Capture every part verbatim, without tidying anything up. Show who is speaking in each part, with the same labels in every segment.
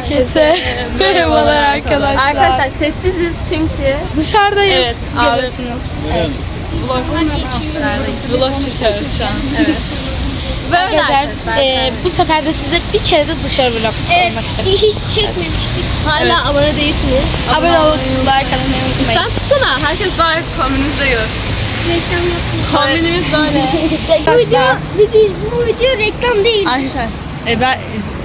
Speaker 1: Herkese merhabalar arkadaşlar.
Speaker 2: Arkadaşlar sessiziz çünkü
Speaker 1: dışarıdayız.
Speaker 2: Evet,
Speaker 1: Görüyorsunuz. Evet.
Speaker 2: vlog, vlog çekiyoruz şu an. Evet. Böyle
Speaker 1: Arkadaşlar,
Speaker 2: arkadaşlar.
Speaker 1: e, bu sefer de size bir kere de dışarı vlog
Speaker 3: Evet,
Speaker 1: olmak istedim.
Speaker 3: hiç çekmemiştik.
Speaker 2: Hala evet. abone değilsiniz.
Speaker 1: Abone olup like atmayı unutmayın.
Speaker 2: İstan tutsana. Herkes var kombinimize göre.
Speaker 3: Reklam yapmıyoruz.
Speaker 2: Kombinimiz böyle.
Speaker 3: Bu video, video, bu video reklam değil.
Speaker 2: Arkadaşlar. E ben...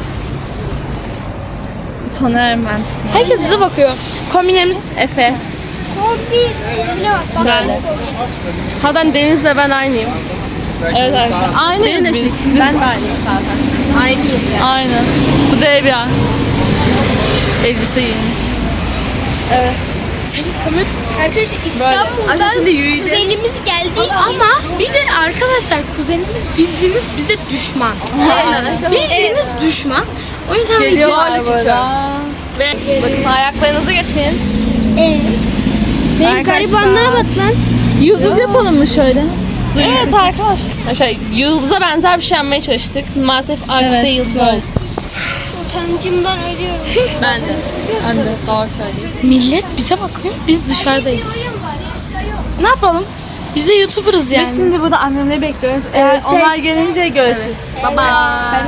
Speaker 2: Tanıyorum ben sizi.
Speaker 1: Herkes bize bakıyor. Kombinlerimiz
Speaker 2: Efe.
Speaker 3: Kombi. Bile bak.
Speaker 2: Ben. Hatta Deniz'le ben aynıyım. Evet arkadaşlar. Aynıyız biz. biz. Ben de aynıyım zaten. Aynıyız yani. Aynı. Bu da Evya. Elbise giymiş. Evet.
Speaker 3: Arkadaşlar
Speaker 2: Arkadaşlar
Speaker 3: İstanbul'dan
Speaker 2: şimdi yürüyeceğiz.
Speaker 3: kuzenimiz geldiği için.
Speaker 1: ama bir de arkadaşlar kuzenimiz bildiğiniz bize düşman. Bildiğiniz düşman. O yüzden
Speaker 2: Geliyorlar
Speaker 1: videolarla
Speaker 2: burada.
Speaker 1: çekiyoruz.
Speaker 2: Ve bakın ayaklarınızı getirin.
Speaker 3: Ee, benim
Speaker 2: Arkadaşlar.
Speaker 3: garibanlığa bak lan.
Speaker 2: Yıldız yapalım mı şöyle? Evet arkadaşlar. Arkadaşlar yıldıza benzer bir şey yapmaya çalıştık. Maalesef arkası evet, yıldız oldu.
Speaker 3: Utancımdan ölüyorum.
Speaker 2: Ben de. Ben de. Doğru söyleyeyim.
Speaker 1: Millet bize bakıyor. Biz dışarıdayız. Ne yapalım? Biz de YouTuber'ız yani.
Speaker 2: Biz şimdi burada annemleri bekliyoruz. Ee,
Speaker 1: şey-
Speaker 2: Onlar gelince görüşürüz. Evet. Bye bye.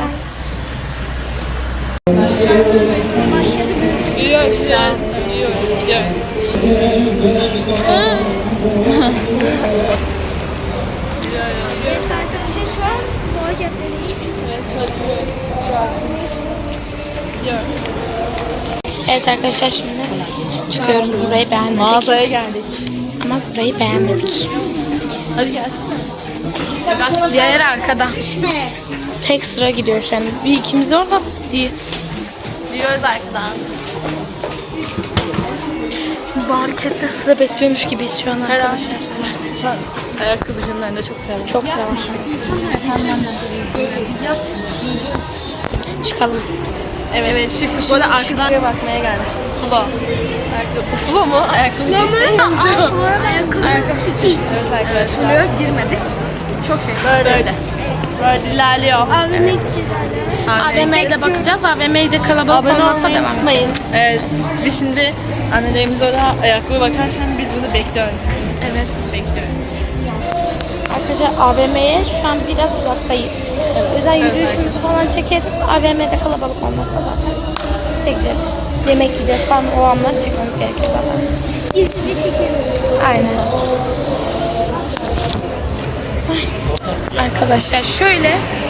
Speaker 2: Gidiyoruz şu an. Gidiyoruz. Gidiyoruz.
Speaker 3: Evet arkadaşlar şu an Boğa Cadde'deyiz.
Speaker 2: Evet, şöyle gidiyoruz. Gidiyoruz.
Speaker 1: Evet arkadaşlar şimdi çıkıyoruz. Burayı beğenmedik.
Speaker 2: Mağazaya geldik.
Speaker 1: Ama burayı beğenmedik.
Speaker 2: Hadi gelsene.
Speaker 1: Diğer arkada. Tek sıra gidiyoruz yani. Bir ikimiz orada diye.
Speaker 2: Gidiyoruz arkadan.
Speaker 1: Bu hareketle sıra bekliyormuş gibiyiz şu an arkadaşlar.
Speaker 2: Ayakkabıcının önünde çok seviyorum.
Speaker 1: Çok yavaş. Çıkalım.
Speaker 2: Evet, evet çıktık. Bu arada arkadan bakmaya gelmiştik. Fulo. Ayakkabı. Fulo mu? Ayakkabı. Fulo mu?
Speaker 3: Ayakkabı. Ayakkabı. Stil.
Speaker 2: Evet arkadaşlar. Fulo'ya girmedik. Çok şey. Böyle böyle. Böyle ilerliyor.
Speaker 3: A V M'ye gideceğiz arkadaşlar.
Speaker 1: A V M'de bakacağız. A V M'de kalabalık
Speaker 2: Abone
Speaker 1: olmasa
Speaker 2: olmayı
Speaker 1: devam
Speaker 2: unutmayın.
Speaker 1: edeceğiz.
Speaker 2: Evet. Biz şimdi annelerimiz orada ayakkabı bakarken biz bunu bekliyoruz.
Speaker 1: Evet.
Speaker 2: Bekliyoruz.
Speaker 1: Arkadaşlar A V M'ye şu an biraz uzaktayız. O yüzden yürüyüşümüzü falan çekeriz. A V M'de kalabalık olmasa zaten çekeceğiz. Yemek yiyeceğiz falan o anları çekmemiz gerekiyor zaten.
Speaker 3: Gizlice çekeriz.
Speaker 1: Aynen. Arkadaşlar şöyle.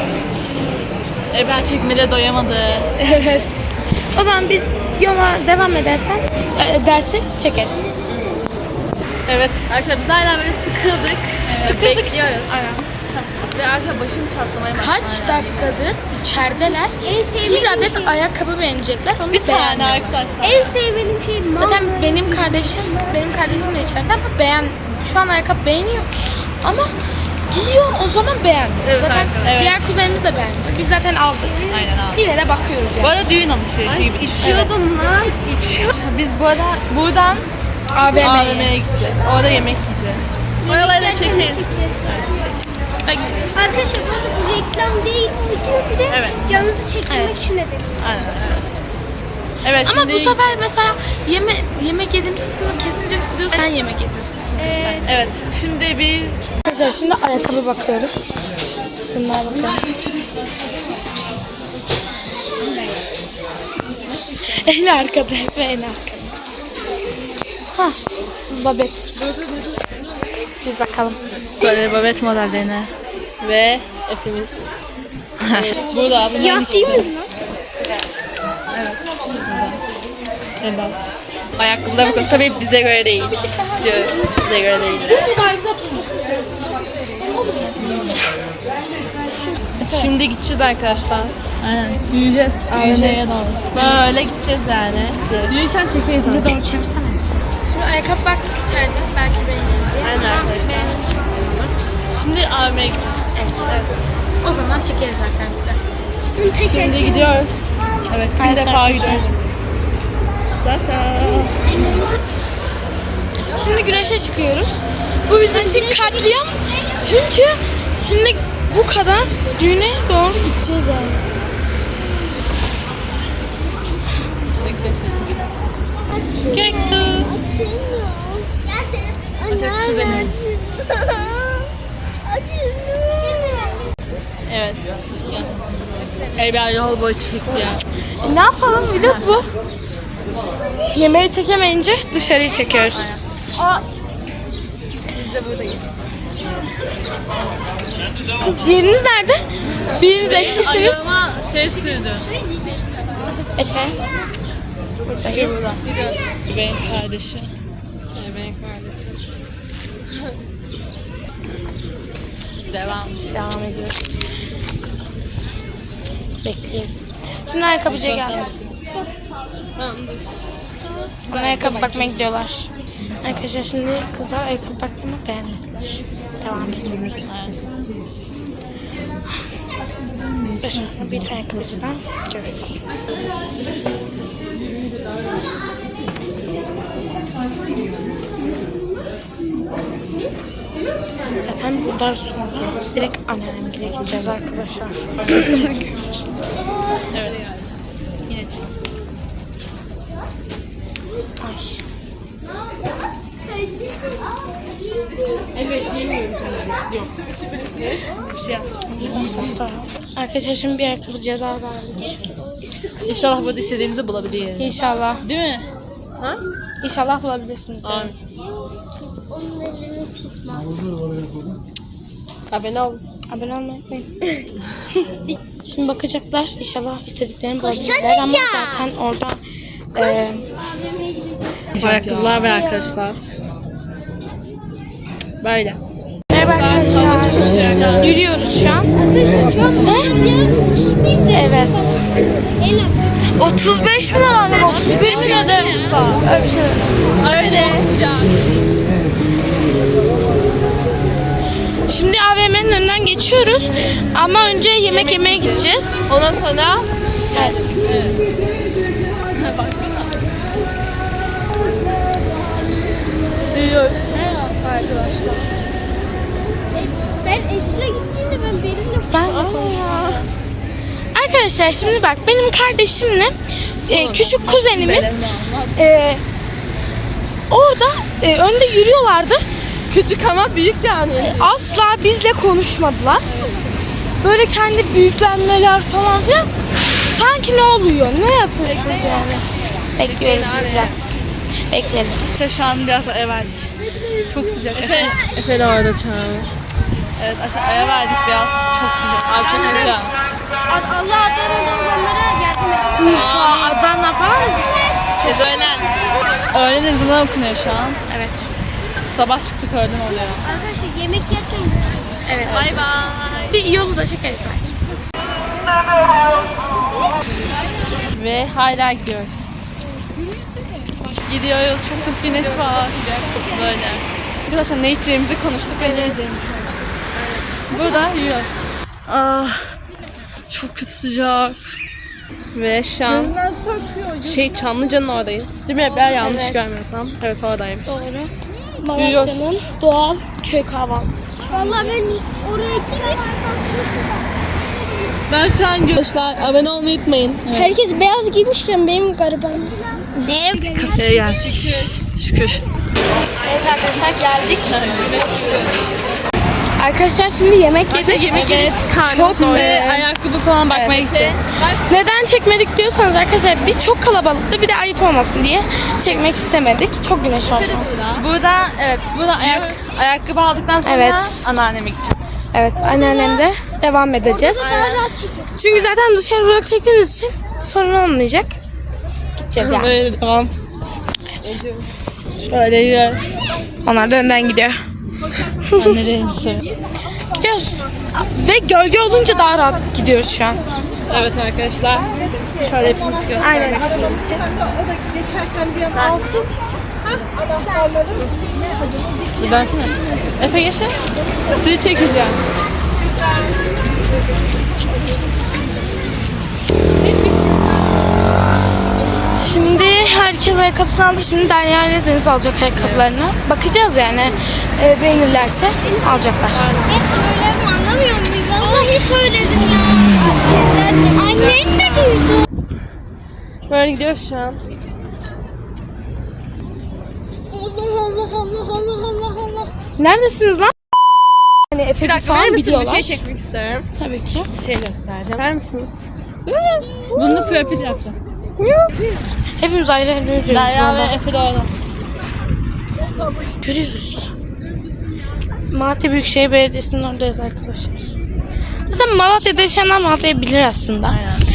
Speaker 2: E ben çekmede doyamadı.
Speaker 1: Evet. O zaman biz yola devam edersen e, dersek çekeriz.
Speaker 2: Evet. Arkadaşlar biz hala böyle sıkıldık. Sıkıldık. Bekliyoruz. Aynen. Ve arkadaşlar başım çatlamaya başladı.
Speaker 1: Kaç dakikadır içerideler.
Speaker 3: En sevmediğim
Speaker 1: Bir adet
Speaker 3: şey.
Speaker 1: ayakkabı beğenecekler. Onu
Speaker 2: Bir tane
Speaker 1: beğenmiyorlar.
Speaker 2: arkadaşlar.
Speaker 3: En sevmediğim şey mağaza.
Speaker 1: Zaten benim kardeşim, benim kardeşim de içeride ama beğen, şu an ayakkabı beğeniyor. Ama giyiyor o zaman beğenmiyor.
Speaker 2: Evet,
Speaker 1: zaten
Speaker 2: evet.
Speaker 1: diğer kuzenimiz de beğenmiyor. Biz zaten aldık.
Speaker 2: Aynen abi.
Speaker 1: Yine de bakıyoruz
Speaker 2: Bu
Speaker 1: yani.
Speaker 2: arada düğün alışverişi gibi.
Speaker 3: İçiyordum lan.
Speaker 2: İçiyor. Biz bu arada buradan
Speaker 1: A V
Speaker 2: A V
Speaker 1: M'ye.
Speaker 2: M'ye gideceğiz. Orada yemek yiyeceğiz. Oraları da çekeriz.
Speaker 3: Arkadaşlar bu arada bu reklam değil. Bu video bir de
Speaker 2: Evet.
Speaker 3: canınızı çektirmek için dedim.
Speaker 2: Aynen evet. Evet
Speaker 1: Ama
Speaker 2: şimdi...
Speaker 1: bu sefer mesela yeme, yemek yediğimiz kısmı kesince siz diyorsun sen yemek yediğiniz kısmı.
Speaker 3: Evet.
Speaker 2: Evet şimdi biz...
Speaker 1: Arkadaşlar şimdi ayakkabı bakıyoruz. Bunlara bakıyoruz. En arkada hep en arkada. Hah, babet. Biz bakalım.
Speaker 2: Böyle babet modellerine. Ve Efe'miz. Burada bunların
Speaker 3: Siyah
Speaker 2: ikisi.
Speaker 3: değil mi lan?
Speaker 2: Evet. Ayakkabılara bakıyoruz. Tabii bize göre değil. Diyoruz. Bize göre değil. Şimdi gideceğiz arkadaşlar. Aynen. Yürüyeceğiz. Yürüyeceğiz. Böyle gideceğiz yani. Yürürken çekeriz.
Speaker 1: Bize doğru çevirsene. Şimdi ayakkabı baktık içeride. Belki beğeniriz diye.
Speaker 2: Aynen arkadaşlar. Şimdi A V M'ye gideceğiz.
Speaker 1: Evet. O zaman çekeriz zaten size.
Speaker 2: Şimdi gidiyoruz. Evet, bir
Speaker 1: Arkadaşlar,
Speaker 2: defa
Speaker 1: teşekkür
Speaker 2: gidiyoruz. Zaten.
Speaker 1: Şimdi güneşe çıkıyoruz. Bu bizim için katliam. Çünkü şimdi bu kadar düğüne doğru gideceğiz yani.
Speaker 2: Evya yol boyu çekti ya.
Speaker 1: Ne yapalım vlog bu. Yemeği çekemeyince dışarıyı çekiyoruz.
Speaker 2: Biz de buradayız.
Speaker 1: Kız diğeriniz nerede? Biriniz eksiksiniz.
Speaker 2: Ayağıma şey sürdü.
Speaker 1: Efendim? Buradayız.
Speaker 2: Benim kardeşi. Benim kardeşim. Devam.
Speaker 1: Devam ediyoruz. Bekleyin. Şimdi ayakkabıcıya geldik.
Speaker 2: Tamamdır.
Speaker 1: Bana ayakkabı bakmaya gidiyorlar. Arkadaşlar şimdi kızlar ayakkabı bakmamı beğenmediler. Devam ediyoruz. Başka bir ayakkabıcıdan görüşürüz. Zaten buradan sonra direkt anneannemle gideceğiz arkadaşlar.
Speaker 2: Evet. Yine çık.
Speaker 1: Ay.
Speaker 2: Evet, yemiyorum. Yok. Bir şey yapacağım.
Speaker 1: Arkadaşlar şimdi bir ayakkabıcıya daha geldik.
Speaker 2: İnşallah burada istediğimizi bulabiliriz.
Speaker 1: İnşallah.
Speaker 2: Değil mi? Ha?
Speaker 1: İnşallah bulabilirsiniz. Yani.
Speaker 2: Amin.
Speaker 3: Onun elini tutma.
Speaker 2: Abone ol.
Speaker 1: Abone olmayı unutmayın. Şimdi bakacaklar. İnşallah istediklerini bulabilirler ama zaten orada e,
Speaker 2: Ayakkabılar ve arkadaşlar. Böyle.
Speaker 1: merhaba arkadaşlar. Yürüyoruz şu an.
Speaker 3: Arkadaşlar şu an Malatya otuz bir de.
Speaker 1: Evet.
Speaker 3: En az.
Speaker 1: otuz beş mi lan? otuz beş mi yazmışlar? Öyle bir şey.
Speaker 2: Öyle. Sıcak.
Speaker 1: Şimdi A V M'nin önünden geçiyoruz. Ama önce yemek yemeye gideceğiz.
Speaker 2: Ondan sonra
Speaker 1: Evet.
Speaker 2: evet. Baksana. Yiyoruz. Arkadaşlar.
Speaker 3: Ben Esra gittiğimde ben benimle
Speaker 1: Ben de konuşuyorum. Arkadaşlar şimdi bak benim kardeşimle e, küçük kuzenimiz e, orada e, önde yürüyorlardı.
Speaker 2: Küçük ama büyük yani.
Speaker 1: Asla bizle konuşmadılar. Böyle kendi büyüklenmeler falan filan. Sanki ne oluyor? Ne yapıyorsunuz yani? Bekliyoruz biz biraz. Bekleyelim.
Speaker 2: İşte şu an biraz eve verdik. Çok sıcak. Efe, Efe de orada çağırmış. Evet aşağıya verdik biraz. Çok sıcak. Abi çok sıcak.
Speaker 3: Allah adamında olanlara yardım etsin.
Speaker 1: Urfa, Adana falan mı?
Speaker 2: Tez öğlen. Öğlen ezanı okunuyor şu an.
Speaker 1: Evet.
Speaker 2: Sabah çıktık öğlen oluyor.
Speaker 3: Arkadaşlar yemek yerken görüşürüz.
Speaker 1: Evet.
Speaker 2: Bay bay.
Speaker 1: Bir yolu da çekeriz belki.
Speaker 2: Ve hala gidiyoruz. Gidiyoruz. Çok kız güneş var. Böyle. Arkadaşlar ne içeceğimizi konuştuk. Ne yiyeceğimizi. Burada yiyoruz. Ah, çok kötü sıcak. Ve şu an şey Çamlıca'nın oradayız. Değil mi? Ben yanlış
Speaker 1: Evet.
Speaker 2: görmüyorsam. Evet oradayım.
Speaker 1: Doğru.
Speaker 2: Yürüyoruz.
Speaker 1: Malatya'nın doğal köy kahvaltısı.
Speaker 3: Vallahi ben oraya gidip
Speaker 2: Ben şu an arkadaşlar abone olmayı unutmayın. Evet.
Speaker 3: herkes beyaz giymişken benim gariban. Ne?
Speaker 2: Kafeye geldik. Şükür.
Speaker 1: Evet arkadaşlar geldik. Arkadaşlar şimdi yemek yedik.
Speaker 2: Yemek yedik.
Speaker 1: Çok
Speaker 2: Şimdi
Speaker 1: e,
Speaker 2: ayakkabı falan bakmaya
Speaker 1: evet.
Speaker 2: gideceğiz.
Speaker 1: Neden çekmedik diyorsanız arkadaşlar biz çok kalabalıktı bir de ayıp olmasın diye çekmek istemedik. Çok güneş var şu an.
Speaker 2: Burada evet burada ayak, ayakkabı aldıktan sonra
Speaker 1: Evet.
Speaker 2: anneanneme gideceğiz.
Speaker 1: Evet anneannemde devam edeceğiz.
Speaker 3: Daha rahat çekin.
Speaker 1: Çünkü zaten dışarı vlog çektiğimiz için sorun olmayacak. Gideceğiz yani.
Speaker 2: Böyle devam.
Speaker 1: Evet.
Speaker 2: Şöyle yiyoruz.
Speaker 1: Onlar da önden gidiyor.
Speaker 2: Annelerim söyle.
Speaker 1: Gidiyoruz. Ve gölge olunca daha rahat gidiyoruz şu an.
Speaker 2: Evet arkadaşlar. Şöyle hepimiz göstermek.
Speaker 1: Aynen.
Speaker 2: Bir dönsene. Efe geçin. Sizi çekeceğim.
Speaker 1: Şimdi herkes ayakkabısını aldı. Şimdi Derya ile Deniz alacak ayakkabılarını. Bakacağız yani. E, beğenirlerse alacaklar.
Speaker 3: Ne söyleme anlamıyor muyuz? Vallahi söyledim ya. Annen de duydu.
Speaker 2: Böyle gidiyoruz şu an.
Speaker 3: Allah Allah Allah Allah Allah Allah.
Speaker 1: Neredesiniz lan? Hani
Speaker 2: Bir
Speaker 1: efekti
Speaker 2: dakika verir
Speaker 1: falan
Speaker 2: misin? Bir
Speaker 1: biliyorlar.
Speaker 2: şey çekmek istiyorum.
Speaker 1: Tabii ki.
Speaker 2: Bir şey göstereceğim. Ver misiniz? Bunu da profil yapacağım.
Speaker 1: Hepimiz ayrı ayrı yürüyoruz.
Speaker 2: Derya ve
Speaker 1: yolda.
Speaker 2: Efe de orada.
Speaker 1: Yürüyoruz. Malatya Büyükşehir Belediyesi'nin oradayız arkadaşlar. Zaten Malatya'da yaşayanlar Malatya'yı bilir aslında.
Speaker 2: Aynen.